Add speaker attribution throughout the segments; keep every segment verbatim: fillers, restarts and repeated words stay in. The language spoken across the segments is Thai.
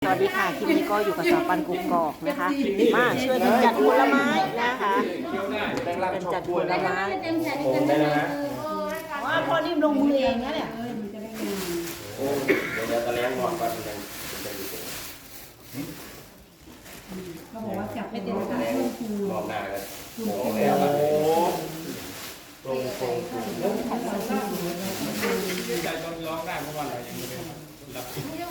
Speaker 1: วัสดีค่ะคลิปนี้ก็อยู่กับสาวปันกุกกอกนะคะมาช่วยกันจัดผลไม้นะคะกันจัดผลไม้
Speaker 2: โอ้ได้แล้วนะ
Speaker 1: ว่าพอนิ่มลงมือเองนะเนี่ย
Speaker 2: โอ้เดี๋ยวเดี๋ยวตะเลี้ยงงอนก่อนมันจะมันจะดีเอง
Speaker 3: เขาบอกว่าจับไม่เต็ม
Speaker 2: ตะ
Speaker 3: ขา
Speaker 2: เลี้ยง
Speaker 3: คู
Speaker 2: รอบหน้าเลยโอ้แล้วโอ้ตรงตรงใจจนร้องได้เพราะว่าอะไรยังไม่ได้รับ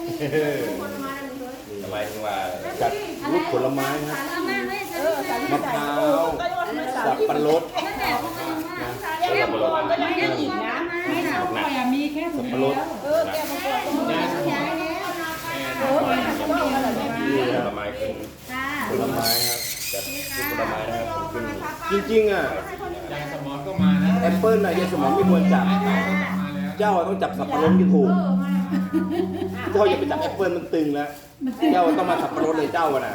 Speaker 2: ทำไมถึงว่าจัดลูกผลไม้ครับมะพร้าวสับปะรดนะสับปะรด
Speaker 1: ก็ยังยังอีกนะ
Speaker 3: ไม่หนาวข่อยอะมีแค่ถุง
Speaker 2: สับปะร
Speaker 3: เดี
Speaker 2: ด
Speaker 3: ยว
Speaker 1: เออแกบางคนก็มีเออ
Speaker 2: นี่ผลไม้ขึ้นผลไม้ครับจัดลูกผลไม้นะครับผมขึ้นจริงๆอ่ะ
Speaker 4: ยายสมอนก็มานะ
Speaker 2: แอปเปิ้ลน่ะยายสมองไม่ควรจับ เจ้าต้องจับสับปะรดที่ถูกเจ้าอย่าไปจับแอปเปิ้ลมันตึงแล้วเจ้าต้องมาสับปะรดเลยเจ้าอะน่ะ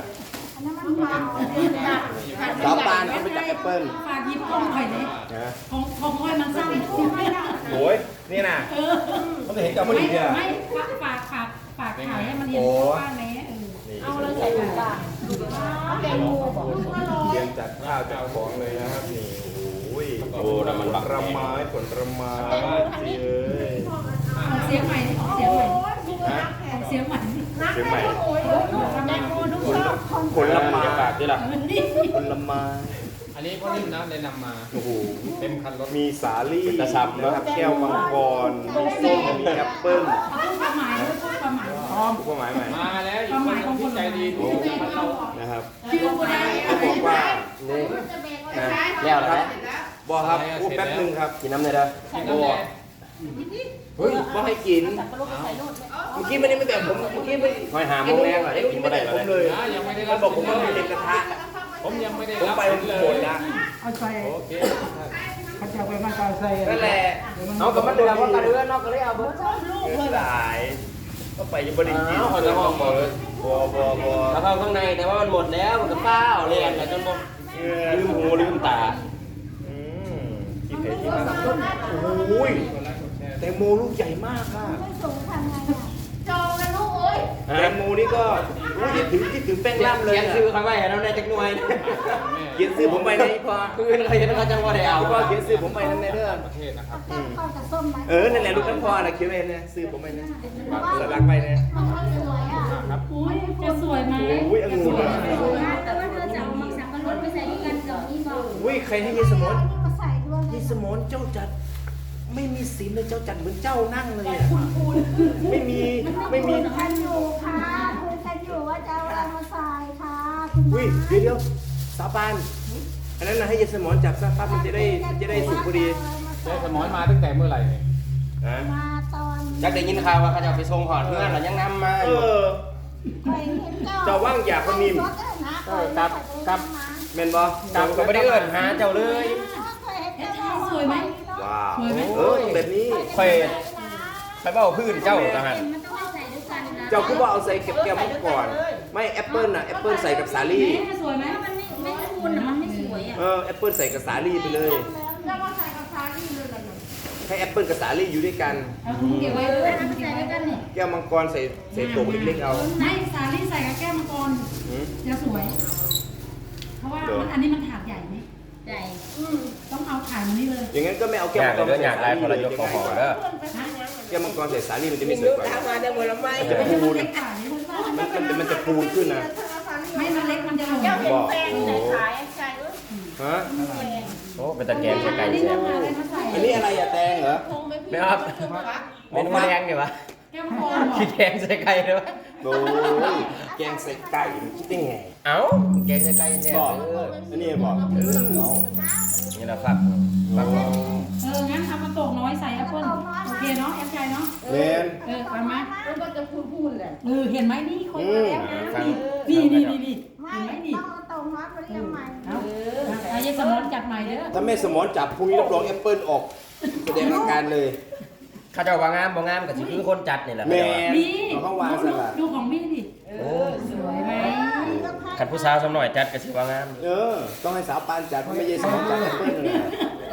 Speaker 2: สาวปานต้องไปจับแอปเปิ้ล
Speaker 3: ฝากหยิบกล้องข่อยเลย
Speaker 2: นะ
Speaker 3: ของของข่อยมันสั้น
Speaker 2: โอ้ยนี่น่ะต้องเห็นเจ้าพอ
Speaker 3: ไม่
Speaker 2: ดีเนี่ย
Speaker 3: ไม่ฝากฝากฝากถ่ายให้มันเห็นว่าแม่เออ
Speaker 1: เอาเลยใส่ถุงปากแกงงูบอก
Speaker 2: เตรียมจัดข้าวจัดของเลยนะครับนี่โอ้ยโอ้แต่มันบักผลไม้ผลไม้สิเอ้ย
Speaker 3: ออกเสียงใหม่ออกเสียงใหม่
Speaker 2: ฮะ
Speaker 3: ออกเสียงใหม่
Speaker 2: เชียงใหม่
Speaker 3: แตงโมทุกชอบ
Speaker 2: ผลไม้ปากที่ล่ะ
Speaker 3: นี่
Speaker 2: ผลไม้
Speaker 4: อันนี้พ่อนิ่มนะแนะนำมา
Speaker 2: โอ้โห
Speaker 4: เต็มคันรถ
Speaker 2: มีสาลี่นะครับแก้วมังกรส้มมีแอปเปิ้ล
Speaker 3: เอาพูดความหมายด้วยพูดความหมายพร้อม
Speaker 2: ผู้หมายใหม่
Speaker 4: มาแล้วอีกคนนึงที่ใจดีดูมันเรา
Speaker 2: นะครับ
Speaker 3: ชื่อก็ได้
Speaker 2: เขาบอกว่านี่นะ
Speaker 5: แล้วเหรอ
Speaker 2: บอครับพูดแป๊บนึงครับ
Speaker 5: กินน้ำเลยเด้อ
Speaker 4: กินน้ำแดง
Speaker 2: เฮ้ยบอให้กิน
Speaker 1: สับปะรดใส่โน่น
Speaker 2: เมื่อกี้ไม่ได้ไม่แต่ผมเมื่อกี้ไม่
Speaker 5: หอยหาโมงแรกเหรอได้กินบ่ได้เหรอ
Speaker 2: ผมเลย
Speaker 4: นะยังไม่ได้
Speaker 2: เขาบอกผมว่ามีเด็กกระทะ
Speaker 4: ผมยังไม่ได้
Speaker 2: ผม
Speaker 4: รับ
Speaker 2: ไป
Speaker 4: เลย
Speaker 2: หมดละ
Speaker 3: เอาใส่
Speaker 4: โอเค
Speaker 3: เขาจะเอาไปมาเกาใส่
Speaker 2: นั่นแหละ
Speaker 5: เอากับมันเดือดว่ากระเดือนอกก็เลยเอาเบิด
Speaker 2: เงินหลายก็ไปยังบริกิน
Speaker 5: เอาคนละห้องบ่เลย
Speaker 2: บอบอบอ
Speaker 5: แล้วเข้าข้างในแต่ว่ามันหมดแล้วมันก็เปล่าเลยอ่ะจนหมดลืมหูลืมตา
Speaker 2: อืมกินไข่ที่มันโอ้ยแตงโมลูกใหญ่มากค่ะ
Speaker 1: จองกันลูกเอ้ย
Speaker 2: แตงโมนี่ก็อุ้ยคิดถึงคิดถึงแป้งล่ำเลย
Speaker 5: เขียน
Speaker 2: อะ
Speaker 5: ซื้อเขาไว้แล้วในจักหน่วย
Speaker 2: เขียนซื้อผมไปในพอ
Speaker 5: คือเขาเห็นเขาจังว่าได้เอา
Speaker 2: พ่อเขียนซื้อผมไปนั่นในเด้อ
Speaker 4: ประเทศนะครับ
Speaker 1: แกงข้าวกับส้มไหม
Speaker 2: เออนั่นแหละลูกน้ำพอนะเขียนไปเนี่ยซื้อผมไปนะสลักไปเนี่ย
Speaker 1: มันก็สวยอ่ะ
Speaker 4: ครับ
Speaker 3: อุ้ยจะสวยไหม
Speaker 2: โอ้ยองุ่นอะ
Speaker 1: แต่ว่าเธอจะเอาหมักสับปะรดไปใส่ด้วยกันกับนี่บอก
Speaker 2: อุ้ยใครให้ยายสมน
Speaker 1: มาใส่ด้วย
Speaker 2: ยายสมนเจ้าจัดไม่มีศีลเลยเจ้าจัดเหมือนเจ้านั่งเลยอะไม่มีไม่มี
Speaker 1: คุยกันอยู่ค่ะคุยกันอยู่ว่าจะเอาอะไรมาใส่ค่ะคุณ
Speaker 2: อุ้ยเดี๋ยวเดี๋ยวสาบานอันนั้นนะให้ยายสมนจับซะปั๊บมันจะได้มันจะได้สุกพอดี
Speaker 4: ยายสมอนมาตั้งแต่เมื่อไหร่เนี่ย
Speaker 2: นะ
Speaker 1: มาตอน
Speaker 5: จักได้ยินข่าวว่าเขาจะเอาไปส่งหอดเพื่อนแล้วยังนำมา
Speaker 2: เอ
Speaker 5: อยู่
Speaker 2: อ
Speaker 1: เคยเห็น
Speaker 2: เจ้าว่างอยากคนนิ่ม
Speaker 5: กับกับ
Speaker 2: แม่นบ่
Speaker 5: จับก็ไม่ได้เอิ้นหาเจ้าเลย
Speaker 3: สวยไหม
Speaker 2: ว้าว
Speaker 3: สวยไหม
Speaker 2: เออแบบนี้
Speaker 5: ค่อยไปเบ้าพื้นเจ้าทหาร
Speaker 1: มันต้องใส่ด้วยกันนะ
Speaker 2: เจ้าคือว่าเอาใส่เก็บแก้วมังก่อนไม่แอปเปิลน่ะแอปเปิลใส่กับสาลี่
Speaker 3: แม่สวยไหม
Speaker 1: มันไม่ไม่คูณอ่ะมันไม่สวยอ่ะ
Speaker 2: เออแอปเปิลใส่กับสาลี่ไปเลย
Speaker 1: แล้วก็ใส่กับซาลี่เลยเหรอ
Speaker 2: ให้แอปเปิลกับสาลี่อยู่ด้วยกัน
Speaker 3: เอาถุงเก็บไว้เลย
Speaker 1: แล้วก็ใส่ด้วยกันนี่
Speaker 2: แก้วมังกรใส่ใส่โตกเล็กๆเอา
Speaker 3: ไม่สาลี่ใส่กับแก้วมังกร
Speaker 2: หืม
Speaker 3: จะสวย เพราะว่ามันอันนี้มันถาดใหญ่ไหม
Speaker 1: ใหญ่
Speaker 3: ต้องเอาถาดมันนี้เลย
Speaker 2: อย่างงั้นก็ไม่เอา
Speaker 5: อ
Speaker 2: แก้วย
Speaker 5: าก
Speaker 2: มังก
Speaker 5: เล
Speaker 2: ร
Speaker 5: ยอยากได้คนละยกขอหอเด้อ
Speaker 2: แก้วมังกรใส่สาลี่มันจะไม่สวยกว่ามันจะปูน
Speaker 3: เล็กกว่านี้
Speaker 2: มันมันมันจะปูนขึ้นนะ
Speaker 3: ไม่มันเล็กมันจะหล่น
Speaker 2: บอกโอ้โห
Speaker 1: ขายใส่ด้วย
Speaker 2: ฮะ
Speaker 5: โอ้เป็นตะแกรงใส่ไก่
Speaker 3: อันนี้
Speaker 5: แซ่
Speaker 3: ต้อบ งมาอะไรมาใส่
Speaker 2: อันนี้อะไรอะแตงเหรอ
Speaker 5: ไม่ครับเป็นมะแรงเนี่ยวะ
Speaker 3: แก้วมังกรเหรอ
Speaker 5: ขี้แกงใส่ไก่เลยวะ
Speaker 2: โอ้ยแกงใส่ไก่มันคิดได้ไง
Speaker 5: เอ้าแกงใส่ไก่แซ่บ
Speaker 2: บอก
Speaker 5: เออ
Speaker 2: อันนี้บอกเออเอา
Speaker 5: นี่นะฟักฟัก
Speaker 3: เอองั้นเอามาโตกน้อยใส่แอปเปิ้ลโอเคเนาะแอปใจเนาะ
Speaker 2: เลน
Speaker 3: เออไปไหม
Speaker 1: มันก็จะพูดๆแหละ
Speaker 3: เออเห็นไหมนี่คนมาแล้วนะ
Speaker 5: ฟัง
Speaker 3: นี่นี่นี่นี่
Speaker 1: ไม่
Speaker 3: เห็นไหมนี่
Speaker 1: ต้องเอาตรงวัดมาเรียกใหม่
Speaker 3: เอาเอาเยสมอนจัดใหม่เด้อ
Speaker 2: ถ้าแม่สมอนจับพรุ่งนี้รับรองแอปเปิลออกแสดงอาการเลย
Speaker 5: ข้าเจ้าว่างามบ่งามก็สิคือคนจัดนี่แหละ
Speaker 2: แม่
Speaker 3: นี่
Speaker 2: เอาเข้าวางสลัด
Speaker 3: ดูของพี่ดิเออสวยไหม
Speaker 5: คันผู้สาวสำหน่อยจัดก็สิว่างาม
Speaker 2: เออ ต้องให้สาวปานจัดเพราะไม่ใช่สมอนจัดแอปเปิลเลย
Speaker 1: เ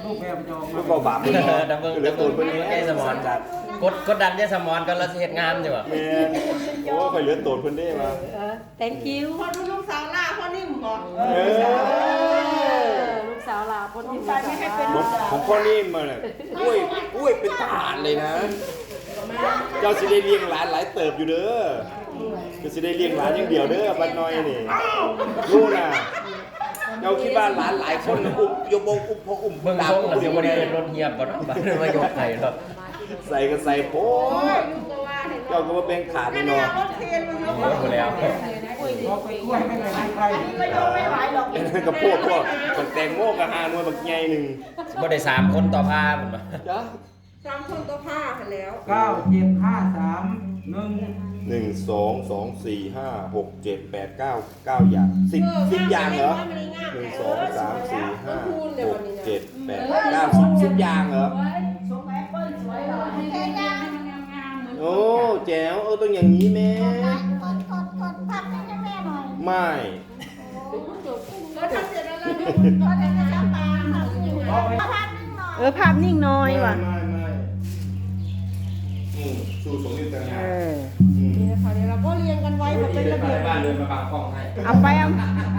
Speaker 6: รูปแบบจะออก
Speaker 2: ก็
Speaker 6: มา
Speaker 2: เบาบาป
Speaker 5: เอ
Speaker 2: เพิ่น
Speaker 5: อดับเบิ้ง
Speaker 2: เหลื
Speaker 5: ดั
Speaker 2: อบ ตู
Speaker 5: เบิ้
Speaker 2: น
Speaker 5: ง
Speaker 2: เพิ่น
Speaker 5: ยายสมอน
Speaker 2: จัด
Speaker 5: กดกดดันยายสมอนก็เราสิเฮ็ดงามอยู่อ่ะ
Speaker 2: แม่นโอ้ข่อยเหลือตูนเพิ่นได้มา
Speaker 1: เออ thank you
Speaker 7: พอดูลูกสาวหน้าพ่อนิ่มบอก
Speaker 2: เออ
Speaker 1: ลูกสาวลาคนที่
Speaker 7: ใจไม่ให้เป็น
Speaker 2: ของของพ่อนิ่มมาเนี่ยกล้วยกล้วยเป็นถาดเลยนะ เจ้าสิได้เลี้ยงหลานหลายเติบอยู่เด้อเจ้าสิได้เลี้ยงหลานอย่างเดียวเด้อบัดน้อยนี่รู้น่ะเจ้าคิดว่าหลานหลายคนอุ้มยกบงอุ้มพ่ออุ้ม
Speaker 5: เบิ่ง
Speaker 2: ตา
Speaker 5: ทรง
Speaker 2: อุ้ม
Speaker 5: แล้วสิ
Speaker 2: เดี๋ยว
Speaker 5: บ่
Speaker 2: บ่
Speaker 5: ได้
Speaker 2: ได้
Speaker 5: รถเฮียบบ่เนาะบัดนี้มายกให้เนาะ
Speaker 2: ใส่ก็ใส่โพดเจ้าก็มาแบ่งขาดนี่
Speaker 7: เนี่ย
Speaker 2: เนาะ
Speaker 7: รถเคนมันยก
Speaker 5: หมดแล้ว
Speaker 6: เราไปกล้วยไม่ไหนใคร
Speaker 7: ก็ยกไม่ไหวหรอก
Speaker 2: ไอ้นั่นก็โพดพวกบักแตงโมกับหาหน่วยบักใหญ่หนึง
Speaker 5: บ่ได้สามคนต่อพาพุ่นบ่
Speaker 2: จ้ะ
Speaker 7: สามคนตัวผ้าหันแล้ว
Speaker 6: เก้าเจ็ดห้าสามหนึ่ง
Speaker 2: หนึ่งสองสองสี่ห้าหกเจ็ดแปดเก้าเก้าอย่างสิบสิบอย่างเหรอหนึ่งสองสามสี่ห้าหกเจ็ดแปดเก้าสิบสิบอย่างเหรอ
Speaker 7: สมแอปเปิ้ลสวยเลย
Speaker 3: ให้งามงามเหมือน
Speaker 2: โอ้แจ๋วเออต้องอย่างนี้แม่
Speaker 7: กดกดกดพับให้แม่หน่อย
Speaker 2: ไม่
Speaker 7: ก็ทำเสร็จแล้วเลยก็ได้จะปลาค่ะอยู่ไหนพับนึงหน่อย
Speaker 1: เออภาพนิ่งน้อยว่ะ
Speaker 2: ไม่ไม่อืมสูตรสมนิตงา
Speaker 1: เอน อ
Speaker 2: อืม
Speaker 7: นี่นะคะเดี๋ยวเราก็เรียงกันไว้แบบเป็นระเบียบ
Speaker 5: บ้านเดินมาปากกล้องให้
Speaker 1: เอาไปเอา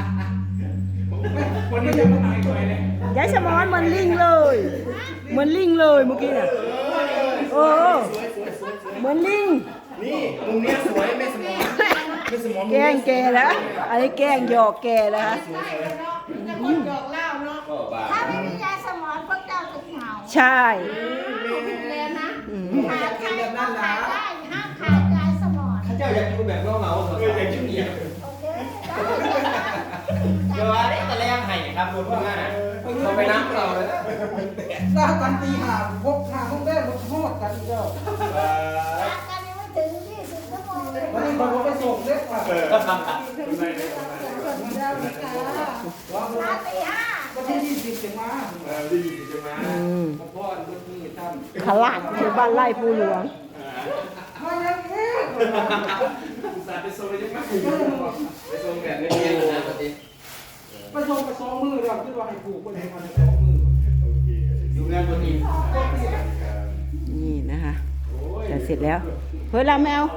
Speaker 6: วันนี้ยังไม่หายไปเลย
Speaker 1: ยายสมอนเหมือนลิงเลยเหมือนลิงเลยเมื่อกี้น่ะเออเหมือนลิง
Speaker 2: นี่มุมเนี้ยสวยไม่สมองไม่สมอง
Speaker 1: แกล้งแกแล้วอันนี้แกล้งหยอกแกแล้วฮะ
Speaker 7: จะคนหยอกเล่าเนาะ
Speaker 2: ก็บ้า
Speaker 7: ถ้าไม่มียาสมอนพวกเจ้าจะเหงา
Speaker 1: ใช่
Speaker 7: ผิดแล้วนะ
Speaker 1: อืม
Speaker 7: ขายใครก็ขายได้ห้ามขายยาสมอน
Speaker 5: ข้าเจ้าอยากอยู่แบบเงาๆสดๆอย่างนี้
Speaker 7: โอเค
Speaker 5: เดี๋ยวว่าได้ตะแลงให้ครับรถพวกนั้นน่ะเขาไปน้ำเราเลยนะ
Speaker 6: สร้างกันตีหาพกหาห้องแรกรถทอดกันเจ้า
Speaker 7: รักกันยังไม่ถึงยี่สิบชั่วโมงเลย
Speaker 6: วันนี้ผมไปส่งเล็กกว่า
Speaker 7: มาตีห้า
Speaker 6: วันที่ยี่สิบจะมา
Speaker 2: เออได้ยินจะมา
Speaker 1: อืม
Speaker 6: ผมพ่อรถนี่ตั้ม
Speaker 1: ขลาดที่บ้านไร่ภูหลวง
Speaker 6: มาแล้วเนี่ย
Speaker 2: อุตส่าห์ไปโซนยังไง
Speaker 5: ไปส่งแบบเงียบๆนะปกติ
Speaker 6: ไปส่งไปสองมือเราคิดว่าให้ผูกไปเลยมันสองมือ
Speaker 5: อยู่งานตัวนี้
Speaker 1: นี่นะคะจะเสร็จแล้วเฮ้ยเราแมว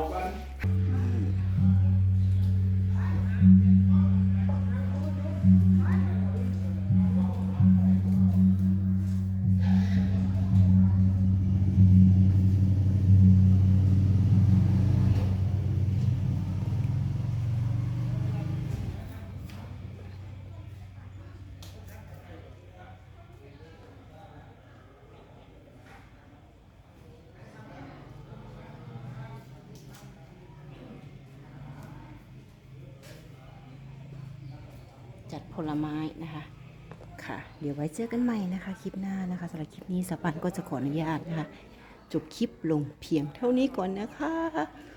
Speaker 1: จัดผลไม้นะคะ ค่ะ เดี๋ยวไว้เจอกันใหม่นะคะ คลิปหน้านะคะสำหรับคลิปนี้สปันก็จะขออนุญาตนะคะ จบคลิปลงเพียงเท่านี้ก่อนนะคะ